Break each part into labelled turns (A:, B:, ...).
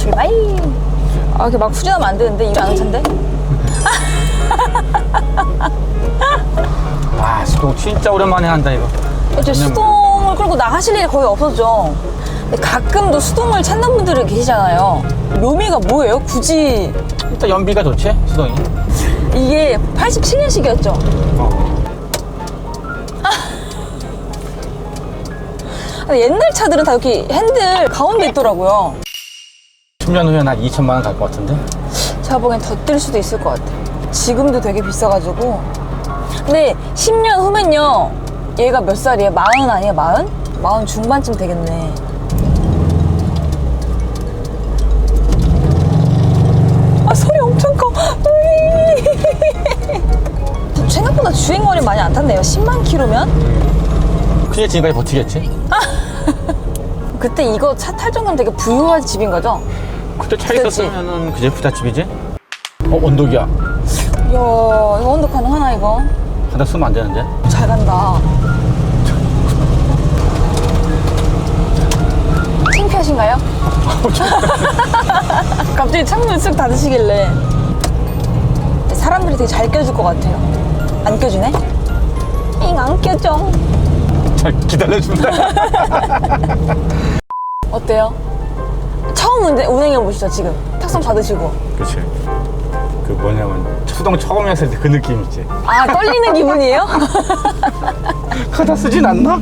A: 출발. 아, 이렇게 막 후진하면 안 되는데 이거 아는 차인데?
B: 아, 수동 진짜 오랜만에 한다 이거.
A: 이제 수동을 끌고 나가실 일이 거의 없었죠. 근데 가끔도 수동을 찾는 분들이 계시잖아요. 묘미가 뭐예요? 굳이
B: 일단 연비가 좋지, 수동이.
A: 이게 87년식이었죠. 옛날 차들은 다 이렇게 핸들 가운데 있더라고요.
B: 10년 후에 한 2천만 원 갈 것 같은데?
A: 제가 보기엔 더 뛸 수도 있을 것 같아요. 지금도 되게 비싸가지고. 근데 10년 후면요, 얘가 몇 살이에요? 40 아니에요? 40? 40 중반쯤 되겠네. 아, 소리 엄청 커. 생각보다 주행거리 많이 안 탔네요. 10만 킬로면?
B: 그냥 지금까지 버티겠지?
A: 그때 이거 차 탈 정도면 되게 부유한 집인 거죠?
B: 그때 차
A: 그때지.
B: 있었으면은 그제 부잣집이지? 언덕이야.
A: 이야, 이거 언덕 가능하나, 이거?
B: 하다 쓰면 안 되는데?
A: 잘 간다. 창피하신가요? 갑자기 창문 쓱 닫으시길래. 사람들이 되게 잘 껴줄 것 같아요. 안 껴주네? 잉, 안 껴줘.
B: 잘 기다려준다.
A: 어때요? 처음 운행해보시죠, 지금. 탁상 받으시고.
B: 그치. 그 뭐냐면, 수동 처음 했을 때 그 느낌 있지.
A: 아, 떨리는 기분이에요?
B: 하다 쓰진 않나?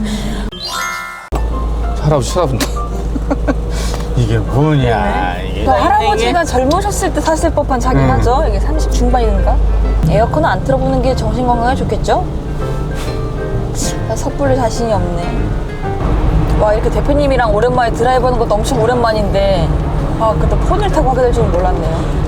B: 할아버지 쳐다본다. 이게 뭐냐, 이게.
A: 그 할아버지가 젊으셨을 때 탔을 법한 차긴 하죠. 이게 30 중반인가? 에어컨은 안 틀어보는 게 정신 건강에 좋겠죠? 나 섣불리 자신이 없네. 와, 이렇게 대표님이랑 오랜만에 드라이브 하는 것도 엄청 오랜만인데, 아, 그때 폰을 타고 하게 될 줄은 몰랐네요.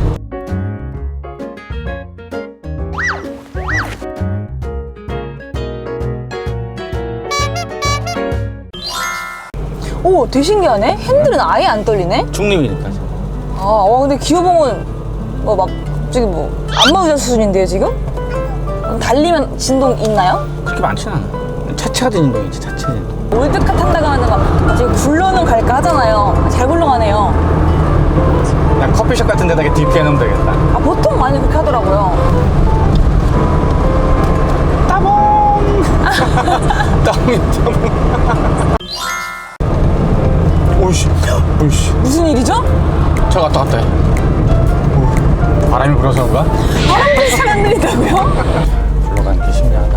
A: 오, 되게 신기하네? 핸들은 아예 안 떨리네?
B: 중립이니까.
A: 아, 와, 근데 기어봉은 뭐 막 갑자기 뭐 안마의자 수준인데요, 지금? 그럼 달리면 진동 있나요?
B: 그렇게 많지는 않아. 차체가 진동이지, 차체 진동.
A: 올드카 탄다고 하는 막 이제 굴러는 갈까 하잖아요. 잘 굴러가네요.
B: 그냥 커피숍 같은 데다가 DP 해놓으면 되겠다.
A: 아, 보통 많이 그렇게 하더라고요.
B: 따봉! 따봉. 오이씨, 오이씨.
A: 무슨 일이죠?
B: 저 갔다 갔다 해. 오, 바람이 불어서 그런가?
A: 바람도 잘 안 들린다고요?
B: 굴러가는 게 신기하다.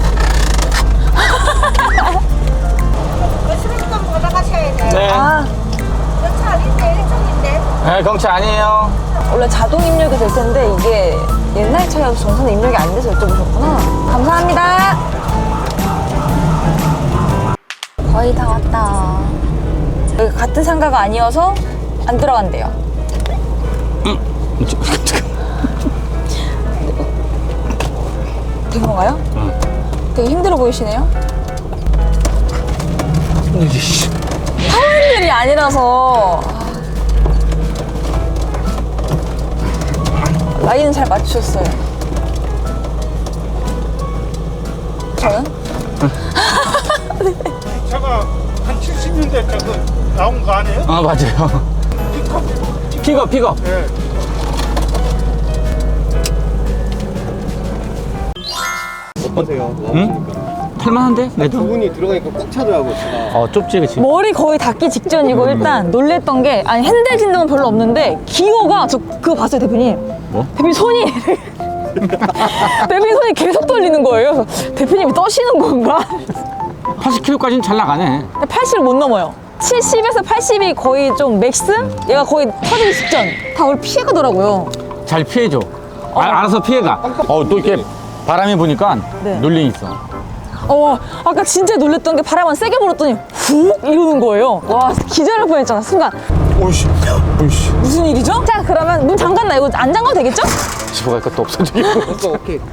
C: 수리금 올라가셔야 돼요.
B: 네.
A: 아,
C: 연차 아닌데, 일종인데.
B: 네, 경치 아니에요.
A: 원래 자동 입력이 될 텐데 이게 옛날 차여서 전선 입력이 안 돼서 여쭤보셨구나. 감사합니다. 거의 다 왔다. 여기 같은 상가가 아니어서 안 들어간대요. 된 건가요?
B: 응.
A: 되게 힘들어 보이시네요.
B: 힘들지.
A: 타원들이 아니라서 라인은 잘 맞추셨어요. 저는?
D: 차가 한 70년대 차가 나온 거 아니에요?
B: 아, 맞아요. 픽업.
D: 네.
E: 어떠세요?
B: 응? 탈만한데? 내도?
E: 부분이 들어가니까 꽉 차더라고요, 제가.
B: 좁지, 그치?
A: 머리 거의 닿기 직전이고 일단 놀랬던 게 아니 핸들 진동은 별로 없는데 기어가 저 그거 봤어요 대표님?
B: 뭐?
A: 대표님 손이 대표님 손이 계속 떨리는 거예요. 그래서 대표님이 떠시는 건가?
B: 80km까지는 잘 나가네.
A: 80을 못 넘어요. 70에서 80이 거의 좀 맥스? 얘가 거의 터지기 직전. 다 우리 피해가더라고요.
B: 잘 피해줘. 알아서 피해가. 또 이렇게 바람이 부니까
A: 네.
B: 눌림 있어.
A: 아까 진짜 놀랬던 게 바람만 세게 불었더니 훅 이러는 거예요. 와, 기절할 뻔했잖아 순간.
B: 오이씨.
A: 무슨 일이죠? 자, 그러면 문 잠갔나? 이거 안 잠가도 되겠죠?
B: 집어갈 것도 없어, 저기.
E: 오케이.